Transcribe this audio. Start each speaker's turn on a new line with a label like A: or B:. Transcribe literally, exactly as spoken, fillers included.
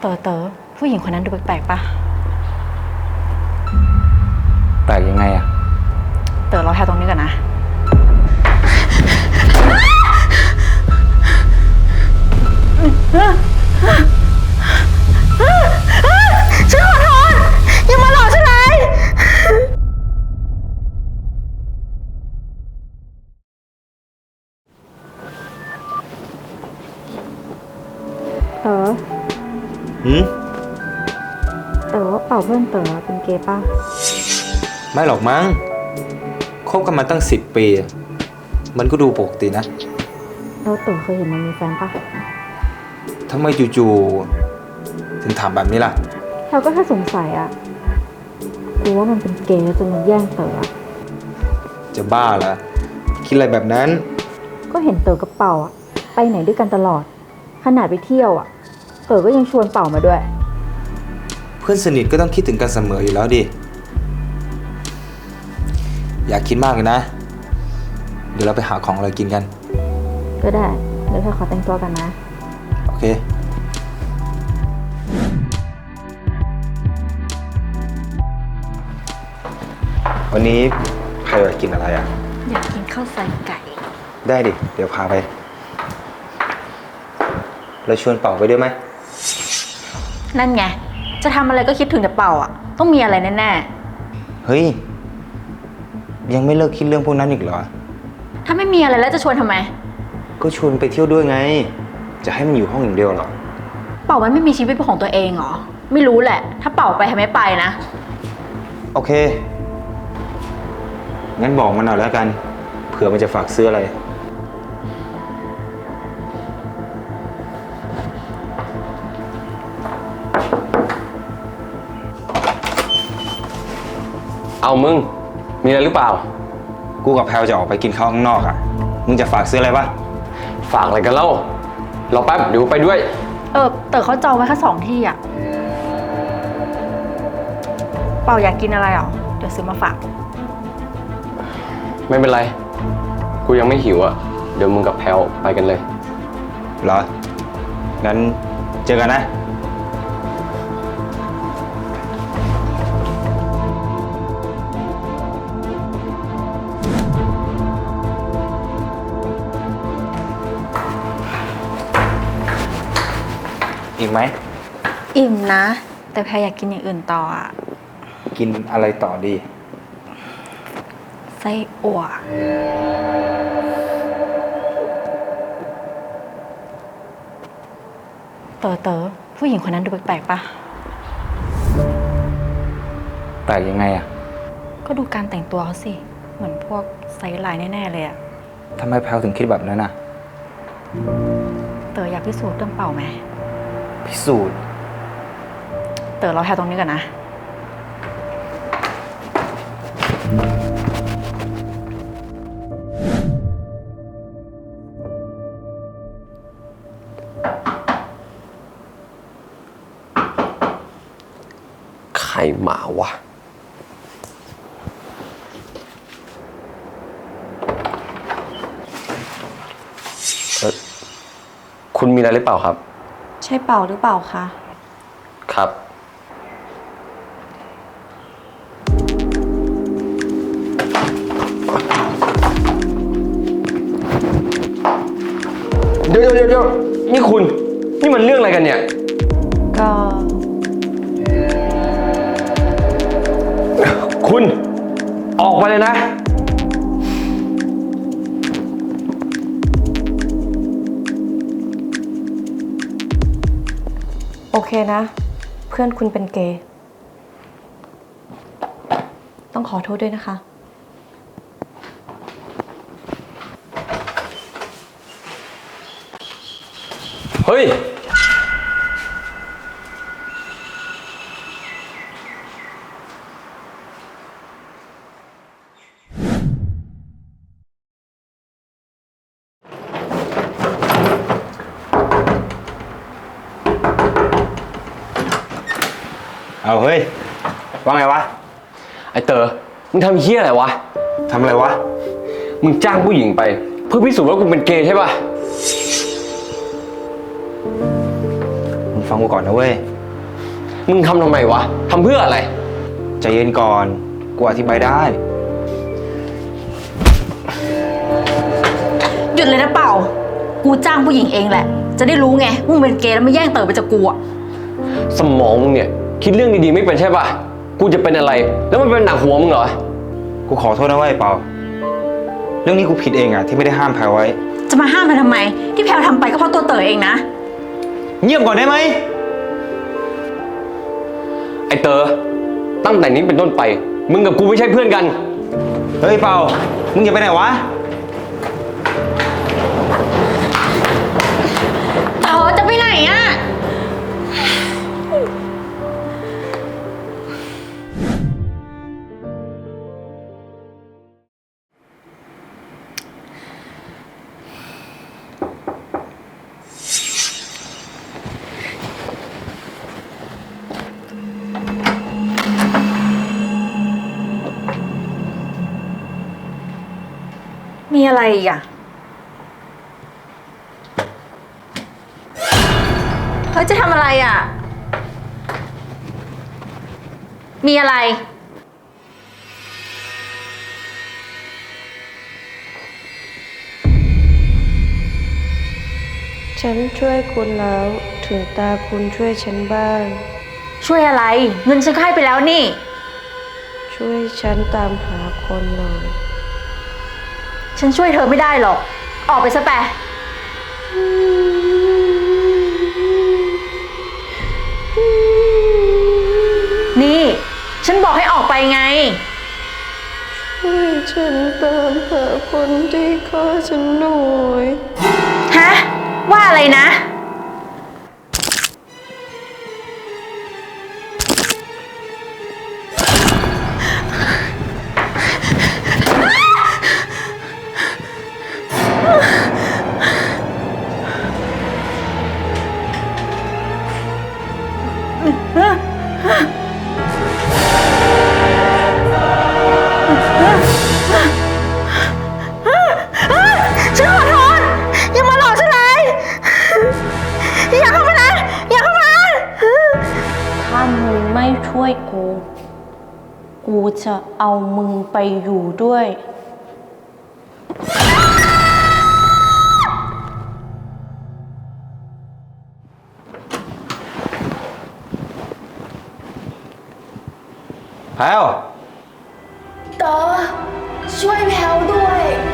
A: เต๋อเต๋อผู้หญิงคนนั้นดูแปลกๆปะ
B: แปลกยังไงอะ
A: เต๋อรอแถวตรงนี้ก่อนนะฉันขอโทษอย่ามาหลอกฉันเลยเต๋อ
B: หืม
A: เต๋อว่าเป่าเพื่อนเต๋อเป็นเกย์ป่ะ
B: ไม่หรอกมั้งคบกันมาตั้งสิบปีมันก็ดูปกตินะ
A: แล้วเต๋อเคยเห็นมันมีแฟนป่ะ
B: ทำไมจู่ๆถึงถามแบบนี้ล่ะ
A: เราก็แค่สงสัยอะกลัวว่ามันเป็นเกย์จนมันแย่งเต๋อ
B: จะบ้าเหรอคิดอะไรแบบนั้น
A: ก็เห็นเต๋อกับเป่าอะไปไหนด้วยกันตลอดขนาดไปเที่ยวอะเต๋อก็ยังชวนเป่ามาด้วย
B: เพื่อนสนิทก็ต้องคิดถึงกันเสมออยู่แล้วดิอย่าคิดมากเลยนะเดี๋ยวเราไปหาของอะไรกินกัน
A: ก็ได้เดี๋ยวเธอขอแต่งตัวกันนะ
B: โอเควันนี้ใครอยากกินอะไรอ่ะ
A: อยากกินข้าวใส่ไก่
B: ได้ดิเดี๋ยวพาไปเราชวนเป่าไปด้วยไหม
A: นั่นไงจะทำอะไรก็คิดถึงแต่เป่าอ่ะต้องมีอะไรแน่
B: ๆเฮ้ยยังไม่เลิกคิดเรื่องพวกนั้นอีกเหรอ
A: ถ้าไม่มีอะไรแล้วจะชวนทำไม
B: ก็ชวนไปเที่ยวด้วยไงจะให้มันอยู่ห้องอย่างเดียวหรอ
A: เป่ามันไม่มีชีวิตเป็นของตัวเองเหรอไม่รู้แหละถ้าเป่าไปทำไมไปนะ
B: โอเคงั้นบอกมันหน่อยแล้วกันเผื่อมันจะฝากซื้ออะไร
C: เอามึงมีอะไรหรือเปล่า
B: กูกับแพลจะออกไปกินข้าวข้างนอกอ่ะมึงจะฝากซื้ออะไรปะ
C: ฝากอะไรกันเล่า รอแป๊บเดี๋ยวไปด้วย
A: เออเต๋อเขาจองไว้แค่สองที่อ่ะเป่าอยากกินอะไรอ่ะเดี๋ยวซื้อมาฝาก
C: ไม่เป็นไรกูยังไม่หิวอ่ะเดี๋ยวมึงกับแพลไปกันเลย
B: เหรองั้นเจอกันนะอิ่มไหม
A: อิ่มนะแต่แพรอยากกินอย่างอื่นต่ออ่ะ
B: กินอะไรต่อดี
A: ไส้อั่วเต๋อเต๋อผู้หญิงคนนั้นดูแปลกๆปะ
B: แปลกยังไงอ่ะ
A: ก็ดูการแต่งตัวเขาสิเหมือนพวกไซส์ไลน์แน่ๆเลยอ่ะ
B: ทำไมแพลถึงคิดแบบนั้นอ่ะ
A: เต๋ออยากพิสูจน์เรื่องเป่าไหม
B: พิสูจน์
A: เต๋อรอแถวตรงนี้ก่อนนะ
C: ใครมาวะเออคุณมีอะไรหรือเปล่าครับ
A: ใช่เป่าหรือเปล่าคะ
C: ครับเดี๋ยวเดี๋ยวเดี๋ยวนี่คุณนี่มันเรื่องอะไรกันเนี่ย
A: ก็
C: คุณออกมาเลยนะ
D: โอเคนะเพื่อนคุณเป็นเกย์ต้องขอโทษด้วยนะคะ
C: เฮ้ย
B: เอาเฮ้ยว่าไงวะ
C: ไอเต๋อมึงทำเหี้ยอะไรวะ
B: ทำอะไรวะ
C: มึงจ้างผู้หญิงไปเพื่อพิสูจน์ว่ากูเป็นเกย์ใช่ป่ะ
B: มึงฟังฟังกูก่อนนะเว้ย
C: มึงทำทำไมวะทำเพื่ออะไร
B: ใจเย็นก่อน กูอธิบายได้
E: หยุดเลยนะเป่า กูจ้างผู้หญิงเองแหละ จะได้รู้ไงว่ามึงเป็นเกย์แล้วมาแย่งเต๋อไปจากกูอะ
C: สมองมึงเนี่ย คิดเรื่องดีๆไม่เป็นใช่ปะกูจะเป็นอะไร แล้วมันเป็นหนักหัวมึงเหรอ
B: กูขอโทษนะเว้ยเปา เรื่องนี้กูผิดเองอะที่ไม่ได้ห้ามแพรไว้
E: จะมาห้ามมันทำไม ที่แพลวทำไปก็เพราะตัวเต๋อเองนะ
B: เงียบก่อนได้ไหม
C: ไอเตอตั้งแต่นี้เป็นต้นไป มึงกับกูไม่ใช่เพื่อนกัน
B: เฮ้ยเปา มึงอย่าไปไหนวะ
E: เต๋อจะไปไหนอะ มีอะไรอีกอะเฮ้ยจะทำอะไรอะมีอะไร
D: ฉันช่วยคุณแล้ว ถึงตาคุณช่วยฉันบ้าง
E: ช่วยอะไร เงินฉันก็ให้ไปแล้วนี่
D: ช่วยฉันตามหาคนหน่อย
E: ฉันช่วยเธอไม่ได้หรอก ออกไปซะแปะนี่ ฉันบอกให้ออกไปไง
D: ช่วยฉันตามหาคนที่ฆ่าฉันหน่อย
E: ฮะ ว่าอะไรนะ ฉันขอโทษ อย่ามาหลอกฉันเลย อย่าเข้ามานะ อย่าเข้ามา
D: ถ้ามึงไม่ช่วยกู กูจะเอามึงไปอยู่ด้วย
B: แพรว
E: เต๋อช่วยแพลวด้วย